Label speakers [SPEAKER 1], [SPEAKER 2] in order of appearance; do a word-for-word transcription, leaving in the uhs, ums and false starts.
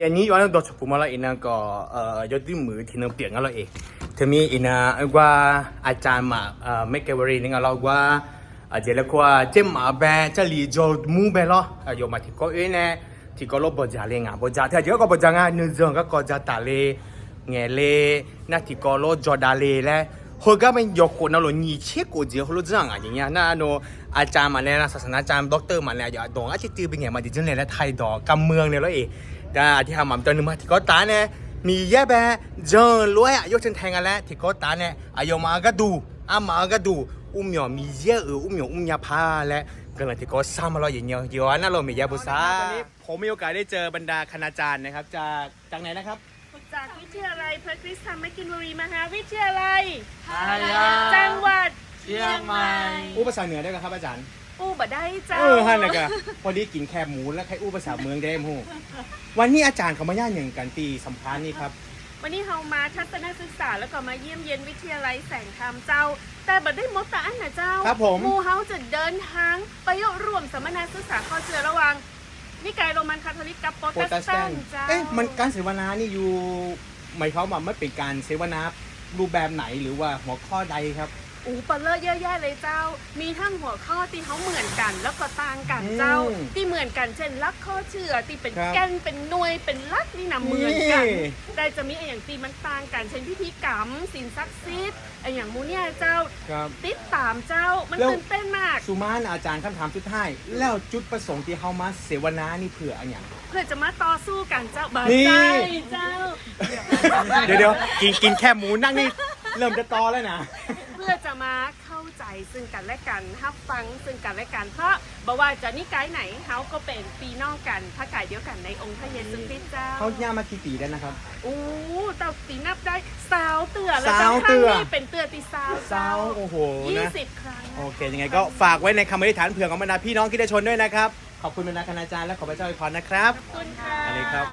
[SPEAKER 1] อันนี้วันนั้นตัวชุบมาแล้วอินะก็เอ่อยอดที่มือที่นึงเปลี่ยนกันแล้วเองทีนี้อินะว่าอาจารย์มาเอ่อไม่เกี่ยวกับนี่เราว่าอาจจะเรียกว่าเจ้ามาแบบจะลีจอดมูแบบล้อยมาที่ก็เองเนี่ยที่ก็ลบบจาเลยงานบจาที่เจ้าก็บจากงานนึกจังก็ก็จะตาเลยเงี้ยเลยนั่นที่ก็ลบจอดาเลยแหละเขาก็เป็นยกคนนั่นหรอนี่เช็คกูเจอเขารู้จังอะไรอย่างเงี้ยนั่นโนอาจารย์มาเนี่ยนะศาสนาจารย์ด็อกเตอร์มาเนี่ยอย่าดองอาชีพเป็นไงมาดิฉันเลยแล้วไทยดอกกำเมืองเนี่ยแล้วเองแต่ที่ทำมันตอนนึงมาที่ก็ตาเนี่ยมีแย่แบบเจอรวยอ่ะยกเช่นแทงกันแล้วที่ก็ตาเนี่ยอายุมาก็ดูอามาก็ดูอุ้มหยอมีเยอะเอออุ้มหยออุ้มยาพาและก็เลยที่ก็ซ้ำมาเราอย่างเงี้ยเดี๋ยวนั่นเรามียาบุษาวันนี้ผมมีโอกาสได้เจอบรรดาคณาจารย์นะครับจากจากไหนนะครับ
[SPEAKER 2] จากวิทยาลัยพระคริสตธรรมกินบุรีมหาวิทยาลัย
[SPEAKER 3] ยา
[SPEAKER 2] จังหวัด
[SPEAKER 3] เชียงใหม่
[SPEAKER 1] อู้ภาษาเหนือได้ไหมครับอาจารย์
[SPEAKER 2] อู้บ่ได้เจ้า
[SPEAKER 1] เออฮั่นนะกะพอดีกินแคบหมูแล้วใครอู้ภาษาเมืองได้ไหมฮู้วันนี้อาจารย์เขามาย่านอย่างกันตีสัมภาษณ์นี่ครับ
[SPEAKER 2] วันนี้เรามาทัศนศึกษาแล้วก็มาเยี่ยมเยียนวิทยาลัยแสงธรรมเจ้า แต่บ่ได้มดแต่อันนะเจ้า
[SPEAKER 1] ครับผม
[SPEAKER 2] หมู่เฮาจะเดินทางไปร่วมสัมมนาศึกษาข้อเชื่อระหว่างนิกายโรมันคาทอลิกกับโปร
[SPEAKER 1] โปร
[SPEAKER 2] เต
[SPEAKER 1] เต
[SPEAKER 2] ส
[SPEAKER 1] ส
[SPEAKER 2] แต
[SPEAKER 1] แต
[SPEAKER 2] น
[SPEAKER 1] น
[SPEAKER 2] ต์
[SPEAKER 1] ต์
[SPEAKER 2] เจ้า
[SPEAKER 1] เอ๊ะมันการเสวนานี่อยู่หมายความว่าไม่เป็นการเสวนารูปแบบไหนหรือว่าหัวข้อใดครับ
[SPEAKER 2] อูเปเลอร์เยอะแยะเลยเจ้า มีทั้งหัวข้อที่เขาเหมือนกันแล้วก็ต่างกันเจ้า
[SPEAKER 1] อืม
[SPEAKER 2] ที่เหมือนกันเช่นลักข้อเชื่อที่เป็น
[SPEAKER 1] ครับ
[SPEAKER 2] แกนเป็นหน่วยเป็นลักนี่นะเหมือนกัน
[SPEAKER 1] นี่
[SPEAKER 2] แต่จะมีไอ้อย่างตีมันต่างกันเช่นพิธีกรรมสินศักดิ์สิทธิ์ไอ้อย่างมูเนี่ยเจ้า
[SPEAKER 1] ครับ
[SPEAKER 2] ติดตามเจ้ามัน
[SPEAKER 1] แล้ว
[SPEAKER 2] ตื่นเต้นมาก
[SPEAKER 1] สุมานอาจารย์คำถามสุดท้ายแล้วจุดประสงค์ที่เขามาเสวนานี่เผื่ออะไรอย่าง
[SPEAKER 2] เพื่อจะมาต่อสู้กันเจ้าบา
[SPEAKER 1] นี่
[SPEAKER 2] ใจเจ้า
[SPEAKER 1] เดี๋ยวเดี๋ยวกินกินแค่หมูนั่งนี่เริ่มจะตอแล้วนะ
[SPEAKER 2] เพื่อจะมาเข้าใจซึ่งกันและกันรับฟังซึ่งกันและกันเพราะบอกว่าจะนิกายไหนเขาก็เป็นปีน้องกันพระกายเดียวกันในองค์พระเยซูคริสต์เจ้า
[SPEAKER 1] เขาย่ามากี่ปีแล้วนะครับ
[SPEAKER 2] อู้แต่ตีนับได้สาวเตือแล้ว
[SPEAKER 1] สาว
[SPEAKER 2] จะ
[SPEAKER 1] เตือ
[SPEAKER 2] ครั้งนี้เป็นเตือตีสาว
[SPEAKER 1] สาวโอ้โห
[SPEAKER 2] ยี่
[SPEAKER 1] นะ
[SPEAKER 2] สิบครั้ง
[SPEAKER 1] โอเค ยังไงก็ฝากไว้ในคำอธิษฐานเผื่อของบรรดาพี่น้องคริสตชนด้วยนะครับ ขอบคุณบรรดาคณาจารย์และขอพระเจ้าอวยพรนะครับ
[SPEAKER 2] ขอบคุณค่ะ
[SPEAKER 1] อันนี้ครับ